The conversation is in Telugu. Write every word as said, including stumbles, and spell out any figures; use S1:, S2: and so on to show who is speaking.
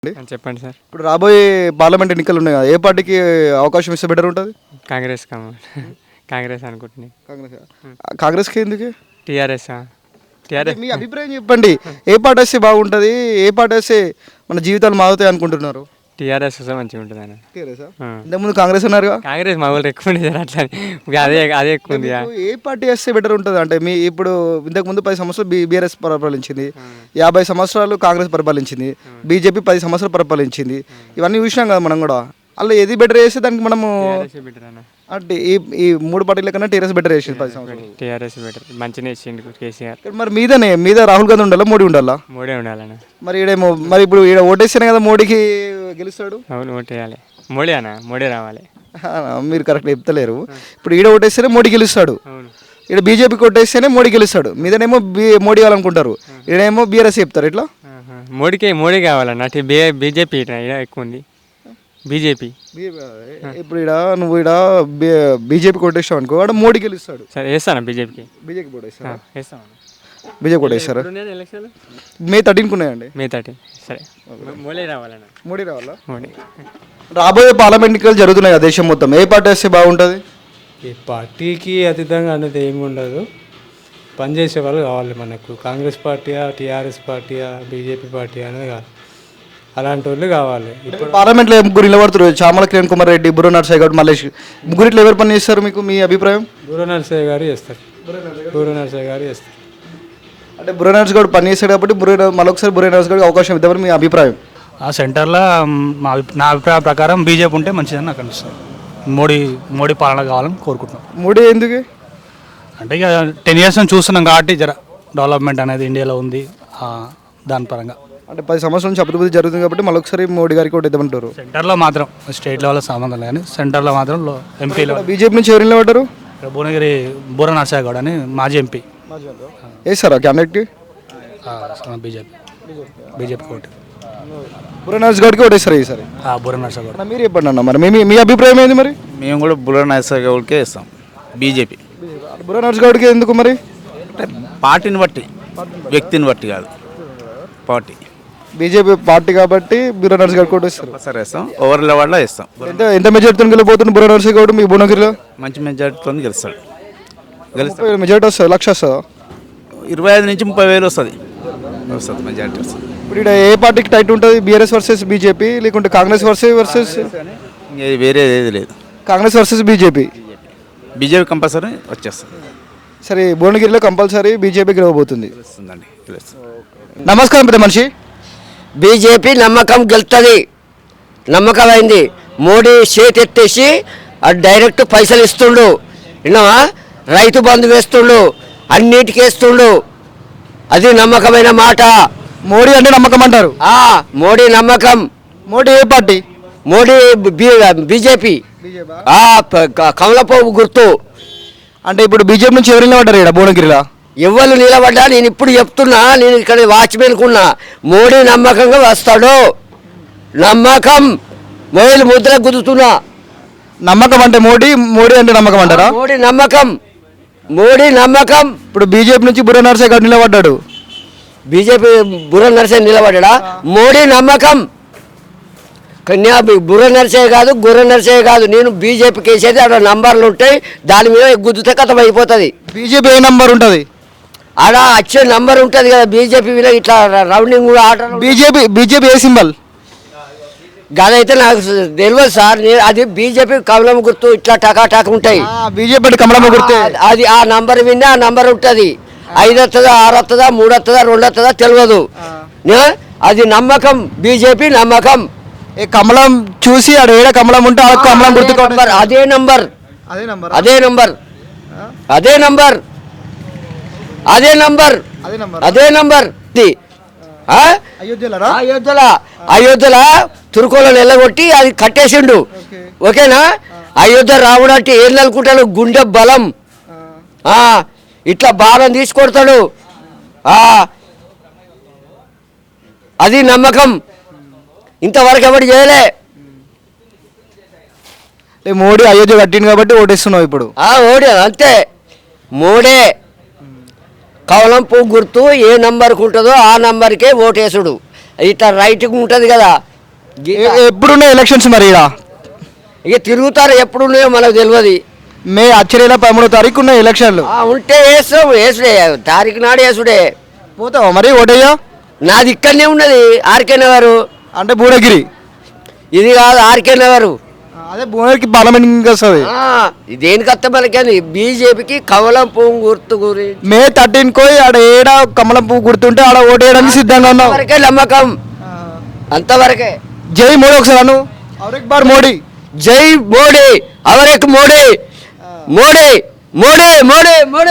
S1: చెప్పండి సార్.
S2: ఇప్పుడు రాబోయే పార్లమెంట్ ఎన్నికలు ఉన్నాయి కదా, ఏ పార్టీకి అవకాశం ఇస్తే బెటర్ ఉంటుంది?
S1: కాంగ్రెస్ కాంగ్రెస్ అనుకుంటున్నాయి.
S2: కాంగ్రెస్. కాంగ్రెస్కి ఎందుకు?
S1: టీఆర్ఎస్ టీఆర్ఎస్
S2: మీ అభిప్రాయం చెప్పండి. ఏ పార్టీ వస్తే బాగుంటుంది, ఏ పార్టీ వస్తే మన జీవితాలు మారుతాయి అనుకుంటున్నారు?
S1: టీఆర్ఎస్ వస్తే మంచిగా ఉంటుంది అన్న.
S2: టీఆర్ఎస్. ఇంతకుముందు కాంగ్రెస్ ఉన్నారుగా.
S1: కాంగ్రెస్ మా వాళ్ళు ఎక్కువ ఉంది అట్లా, అదే అదే ఎక్కువ ఉంది.
S2: ఏ పార్టీ వస్తే బెటర్ ఉంటుంది అంటే మీ ఇప్పుడు ఇంతకుముందు పది సంవత్సరాలు బీ బీఆర్ఎస్ పరిపాలించింది, యాభై సంవత్సరాలు కాంగ్రెస్ పరిపాలించింది, బీజేపీ పది సంవత్సరాలు పరిపాలించింది. ఇవన్నీ చూసినాం కదా మనం కూడా. అలా ఏది బెటర్ చేస్తే దానికి మనము అంటే ఈ ఈ మూడు పార్టీల కన్నా టీఆర్ఎస్ బెటర్ చేసింది పది సంవత్సరాలు.
S1: టీఆర్ఎస్ బెటర్, మంచిగా చేసిండు కేసీఆర్.
S2: మరి మీదనే మీద రాహుల్ గాంధీ ఉండాలా, మోడీ ఉండాలా?
S1: మోడీ ఉండాలన్న.
S2: మరి ఈడేమో మరి ఇప్పుడు ఈడ ఓటేస్తేనే కదా మోడీకి గెలుస్తాడు.
S1: అవును, ఓటేయాలి. మోడీ అన్న, మోడీ రావాలి.
S2: మీరు కరెక్ట్ చెప్తలేరు. ఇప్పుడు ఈడ ఓటేస్తేనే మోడీ గెలుస్తాడు,
S1: అవును.
S2: ఇక్కడ బీజేపీకి ఓటేస్తేనే మోడీ గెలుస్తాడు. మీదనేమో బీ మోడీ కావాలనుకుంటారు, ఈడేమో బీఆర్ఎస్ చెప్తారు. ఇట్లా
S1: మోడీకి మోడీ కావాలన్న. బీజేపీ ఎక్కువ ఉంది, బీజేపీ.
S2: ఇప్పుడు ఇక్కడ నువ్వు ఇక్కడ బీజేపీకి ఓటేస్తావు అనుకో, వాడు మోడీ గెలుస్తాడు.
S1: సరే వేస్తాను బీజేపీకి.
S2: బీజేపీకి ఓటేస్తాను.
S1: వేస్తాను.
S2: బీజేపీ ఓటేస్తారా?
S1: ఎలక్షన్
S2: మే థర్టీన్కి ఉన్నాయండి.
S1: May thirteen. సరే, మోడీ రావాలన్న.
S2: మోడీ రావాలా?
S1: మోడీ.
S2: రాబోయే పార్లమెంట్ ఎన్నికలు జరుగుతున్నాయి కదా దేశం మొత్తం, ఏ పార్టీ వస్తే బాగుంటుంది?
S3: ఈ పార్టీకి అతీతంగా అనేది ఏమి ఉండదు, పనిచేసే వాళ్ళు కావాలి మనకు. కాంగ్రెస్ పార్టీయా, టీఆర్ఎస్ పార్టీయా, బీజేపీ పార్టీ అనేది కాదు, అలాంటి వాళ్ళు కావాలి.
S2: ఇప్పుడు పార్లమెంట్లో ముగ్గురు నిలబడుతారు, చామల కిరణ్ కుమార్ రెడ్డి, బుర్ర నరసయ్య గౌడ్, మల్లేష్. ముగ్గురిట్లో ఎవరు పని చేస్తారు మీకు, మీ అభిప్రాయం?
S3: బుర్ర నరసయ్య గారు చేస్తారు. బుర్ర నరసయ్య గారు చేస్తారు.
S2: అంటే బుర్ర నరసయ్య గౌడ్ పని చేస్తాడు కాబట్టి బుర్ర మరొకసారి బుర్ర నరసయ్య గౌడ్కి అవకాశం ఇద్దామని మీ అభిప్రాయం?
S4: ఆ సెంటర్లో మా నా అభిప్రాయం ప్రకారం బీజేపీ ఉంటే మంచిదని నాకు అనిపిస్తుంది. మోడీ మోడీ పాలన కావాలని కోరుకుంటున్నాం.
S2: మోడీ ఎందుకు
S4: అంటే ఇక టెన్ ఇయర్స్ నుంచి చూస్తున్నాం కాబట్టి జర డెవలప్మెంట్ అనేది ఇండియాలో ఉంది దాని పరంగా.
S2: అంటే పది సంవత్సరాల నుంచి అభివృద్ధి జరుగుతుంది కాబట్టి మళ్ళొకసారి మోడీ గారికి ఒకటి ఇద్దామంటారు.
S4: సెంటర్లో మాత్రం స్టేట్ లెవెల్లో సంబంధం లేదు కానీ సెంటర్లో మాత్రం ఎంపీలో
S2: బీజేపీ నుంచి ఎవరు నిలబడ్డారు?
S4: భువనగిరి బుర్ర నరసయ్య గౌడ్ అని మాజీ ఎంపీ
S2: వేస్తారా క్యాండిడేట్కి?
S4: బీజేపీ బీజేపీ కోటి
S2: బుర్ర నరసయ్య గౌడ్కి ఓటేస్తారు ఈసారి.
S4: బుర్ర నరసయ్య గౌడ్.
S2: మీరు చెప్పండి అన్న, మరి మీ మీ అభిప్రాయం ఏంది? మరి
S5: మేము కూడా బుర్ర నరసయ్య గౌడ్కే ఇస్తాం, బీజేపీ.
S2: బుర్ర నరసయ్య గౌడ్కి ఎందుకు మరి?
S5: పార్టీని బట్టి, వ్యక్తిని బట్టి కాదు, పార్టీ.
S2: బీజేపీ పార్టీ కాబట్టి బుర్ర నరసయ్య గౌడ్కి ఓటేస్తారు.
S5: సరే ఇస్తాం, ఓవర్ లెవెల్లో ఇస్తాం.
S2: ఎంత ఎంత మెజార్టీతో గెలిపోతుంది బుర్ర నరసయ్య గౌడ్ మీ భువనగిరిలో?
S5: మంచి మెజార్టీతో గెలుస్తాడు. గెలుస్తాడు.
S2: మెజార్టీ వస్తుంది, లక్ష వస్తుందా?
S5: ఇరవై ఐదు నుంచి ముప్పై వేలు వస్తుంది వస్తుంది మెజార్టీ వస్తుంది.
S2: ఇప్పుడు ఇక్కడ ఏ పార్టీకి టైట్ ఉంటుంది, బీఆర్ఎస్ వర్సెస్ బీజేపీ లేకుంటే కాంగ్రెస్ వర్సెస్ వర్సెస్
S5: వేరే ఏది లేదు,
S2: Congress versus BJP?
S5: BJP compulsory వచ్చేస్తుంది.
S2: సరే, భువనగిరిలో కంపల్సరీ బీజేపీ గెలవబోతుంది.
S5: వస్తుందండి.
S2: నమస్కారం పెద్ద మనిషి.
S6: బీజేపీ నమ్మకం గెలుతుంది, నమ్మకం అయింది. మోడీ చేతి ఎత్తేసి డైరెక్ట్ పైసలు ఇస్తుండు, విన్నావా? రైతు బంధు వేస్తుండు, అన్నిటికీ వేస్తుండు, అది నమ్మకమైన మాట.
S2: మోడీ అంటే నమ్మకం అంటారు.
S6: మోడీ నమ్మకం.
S2: మోడీ ఏ పార్టీ?
S6: మోడీ బీజేపీ. కమలపోపు గుర్తు.
S2: అంటే ఇప్పుడు బీజేపీ నుంచి ఎవరు నిలబడ్డారు ఇక్కడ భువనగిరిలో?
S6: ఎవరు నిలబడ్డా నేను ఇప్పుడు చెప్తున్నా, నేను ఇక్కడ వాచ్మెన్కున్నా. మోడీ నమ్మకంగా వస్తాడు, నమ్మకం. మొబైల్ ముద్ర గుద్దుతున్నా.
S2: నమ్మకం అంటే మోడీ, మోడీ అంటే నమ్మకం అంటారా?
S6: మోడీ నమ్మకం, మోడీ నమ్మకం.
S2: ఇప్పుడు బీజేపీ నుంచి బుర్ర నరసయ్య గారు నిలబడ్డాడు.
S6: బీజేపీ బుర్ర నరసయ్య నిలబడ్డా. మోడీ నమ్మకం. కన్యా బుర్ర నరసయ్య కాదు, గుర్ర నరసయ్య కాదు. నేను బీజేపీకి వేసేది ఆడ నంబర్లు ఉంటాయి, దాని మీద గుద్దుతే కథం అయిపోతుంది.
S2: బీజేపీ ఏ నంబర్ ఉంటుంది?
S6: ఆడ వచ్చే నంబర్ ఉంటుంది కదా బీజేపీ మీద, ఇట్లా రౌండింగ్ కూడా ఆట.
S2: బీజేపీ బీజేపీ ఏ సింబల్?
S6: గదైతే నాకు తెలియదు సార్. అది బీజేపీ కమలం గుర్తు, ఇట్లా టకా టక్ ఉంటాయి.
S2: బీజేపీ కమలం గుర్తు,
S6: అది ఆ నంబర్ విన్నా ఆ నంబర్ ఉంటుంది. ఐదు వస్తుందా, ఆరు వస్తుందా, మూడు వస్తుందా, రెండు వస్తుందా తెలియదు. అది నమ్మకం, బీజేపీ నమ్మకం.
S2: కమలం చూసి ఆడ ఏడ కమలం ఉంటే ఆ కమలం గుర్తు.
S6: అదే నంబర్, అదే నంబర్, అదే నంబర్, అదే నంబర్, అదే నంబర్. అయోధ్యలో అయోధ్యలో తుర్కోలను ఎల్లగొట్టి అది కట్టేసిండు, ఓకేనా? అయోధ్య రావడం అంటే ఏం అనుకుంటాడు? గుండె బలం. ఇట్లా బాణం తీసుకొడతాడు, అది నమ్మకం. ఇంతవరకు ఎవరు చేయలే.
S2: మోడీ అయోధ్య కట్టింది కాబట్టి ఓటేస్తున్నావు ఇప్పుడు?
S6: ఓడి అంతే. మోడే కవలం పువ్వు గుర్తు ఏ నంబర్కి ఉంటుందో ఆ నంబర్కే ఓటేసుడు. ఇట్లా రైట్కి ఉంటుంది కదా,
S2: ఎ- ఎప్పుడున్నాయి ఎలక్షన్స్ మరి ఈడ
S6: ఇక తిరుగుతారు ఎప్పుడు ఉన్నాయో మనకు తెలియదు.
S2: మే వచ్చే నెల పదమూడో తారీఖు ఉన్నాయి ఎలక్షన్లు.
S6: ఆ, ఉంటే వేస్తాం, వేసుడే తారీఖు నాడు వేసుడే.
S2: పోతావా మరి ఓటయ్యా?
S6: నాది ఇక్కడనే ఉన్నది ఆర్కే నగరు.
S2: అంటే భువనగిరి.
S6: ఇది కాదు ఆర్కే నగరు.
S2: అదే భువనగిరికి పార్లమెంట్ ఇంకా వస్తుంది.
S6: ఆ, దేనికి వస్తే మనకి బీజేపీకి కమలం పువ్వు గుర్తు గురించి
S2: మే థర్టీన్ కోయి ఆడ ఏడ కమలం పువ్వు గుర్తుంటే ఆడ ఓటేయడానికి సిద్ధంగా ఉన్నావు.
S6: వరకే నమ్మకం, అంతవరకే.
S2: జై మోడీ ఒకసారి అను. ఔర్ ఎక్ బార్ మోడీ.
S6: జై మోడీ, అవరేక్ మోడీ, మోడీ మోడీ మోడీ మోడీ.